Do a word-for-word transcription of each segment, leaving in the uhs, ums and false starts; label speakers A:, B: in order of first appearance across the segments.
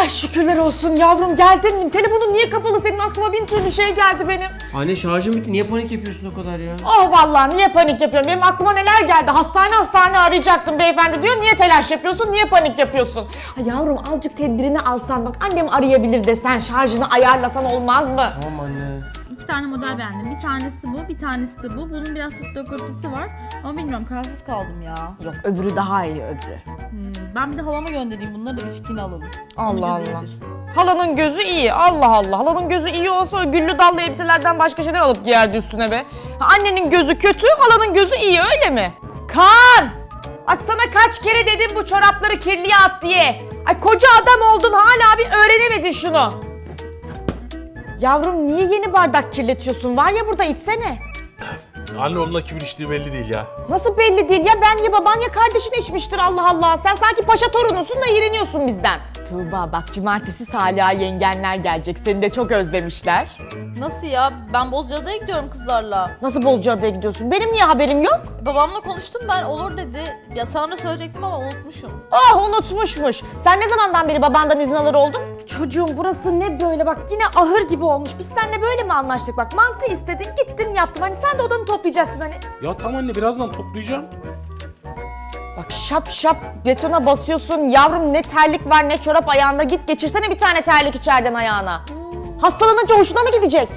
A: Ay şükürler olsun yavrum, geldin mi? Telefonun niye kapalı? Senin aklıma bin türlü şey geldi benim.
B: Anne şarjım bitti. Niye panik yapıyorsun o kadar ya?
A: Oh vallahi niye panik yapıyorum? Benim aklıma neler geldi? Hastane hastane arayacaktım beyefendi diyor. Niye telaş yapıyorsun? Niye panik yapıyorsun? Ay yavrum azıcık tedbirini alsan, bak annem arayabilir desen, şarjını ayarlasan olmaz mı?
B: Tamam anne.
C: İki tane model beğendim. Bir tanesi bu, bir tanesi de bu. Bunun biraz sırt dökültüsü var. Ama bilmiyorum, kararsız kaldım ya.
A: Yok, öbürü daha iyi, öbürü.
C: Hmm, ben bir de halama göndereyim. Bunları da bir fikrini alalım. Onun
A: Allah
C: gözü
A: Allah.
C: iyidir.
A: Halanın gözü iyi. Allah Allah. Halanın gözü iyi olsa o güllü dallı elbiselerden başka şeyler alıp giyerdi üstüne be. Ha, annenin gözü kötü, halanın gözü iyi, öyle mi? Kaan! Bak sana kaç kere dedim bu çorapları kirliye at diye. Ay koca adam oldun, hala bir öğrenemedin şunu. Yavrum niye yeni bardak kirletiyorsun? Var ya burada, içsene.
D: Anne onunla kimin içtiği belli değil ya.
A: Nasıl belli değil ya? Ben ya baban ya kardeşin içmiştir, Allah Allah. Sen sanki paşa torunusun da iğreniyorsun bizden. Tuğba bak, cumartesi Salih'a yengenler gelecek. Seni de çok özlemişler.
C: Nasıl ya? Ben Bozcaada'ya gidiyorum kızlarla.
A: Nasıl Bozcaada'ya gidiyorsun? Benim niye haberim yok?
C: Babamla konuştum ben, olur dedi. Ya sana da söyleyecektim ama unutmuşum.
A: Oh, unutmuşmuş. Sen ne zamandan beri babandan izin alır oldun? Çocuğum burası ne böyle, bak yine ahır gibi olmuş. Biz seninle böyle mi anlaştık? Bak mantı istedin, gittim yaptım. Hani sen de odanı toplayacaktın hani.
D: Ya tamam anne, birazdan toplayacağım.
A: Bak şap şap betona basıyorsun. Yavrum ne terlik var ne çorap ayağında. Git geçirsene bir tane terlik içeriden ayağına. Hastalanınca hoşuna mı gidecek?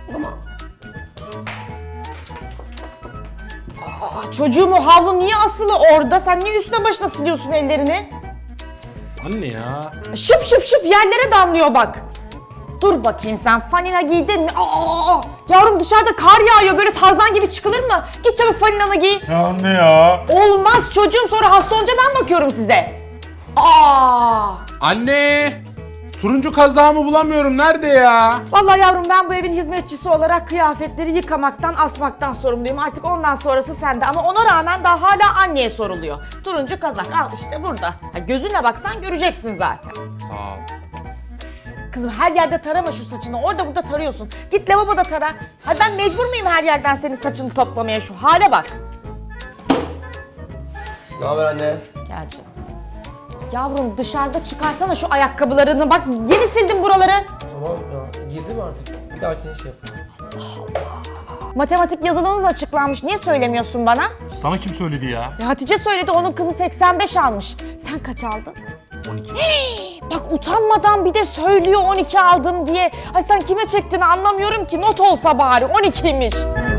A: Aa, çocuğum o havlu niye asılı orada? Sen niye üstüne başına siliyorsun ellerini?
D: Anne ya.
A: Şıp şıp şıp yerlere damlıyor bak. Dur bakayım, sen fanila giydin mi? Aa, yavrum dışarıda kar yağıyor, böyle Tarzan gibi çıkılır mı? Git çabuk falinanı giy.
D: Ya anne ya.
A: Olmaz çocuğum, sonra hasta olunca ben bakıyorum size. Aa!
D: Anne. Turuncu kazağımı bulamıyorum. Nerede ya?
A: Vallahi yavrum, ben bu evin hizmetçisi olarak kıyafetleri yıkamaktan, asmaktan sorumluyum. Artık ondan sonrası sende, ama ona rağmen daha hala anneye soruluyor. Turuncu kazak al işte burada. Ha, gözünle baksan göreceksin zaten.
D: Sağ ol.
A: Kızım her yerde tarama şu saçını, orada burada tarıyorsun. Git lavaboda tara. Ha, ben mecbur muyum her yerden senin saçını toplamaya, şu hale bak.
B: Ne haber anne?
A: Gel canım. Yavrum dışarıda çıkarsana şu ayakkabılarını, bak yeni sildim buraları.
B: Tamam ya. Girdi mi artık? Bir dahakine şey yap.
A: Matematik yazılınız açıklanmış, niye söylemiyorsun bana?
D: Sana kim söyledi ya?
A: Ya Hatice söyledi, onun kızı seksen beş almış. Sen kaç aldın?
D: on iki.
A: Hii, bak utanmadan bir de söylüyor on iki aldım diye. Ay sen kime çektiğini anlamıyorum ki, not olsa bari on ikiymiş.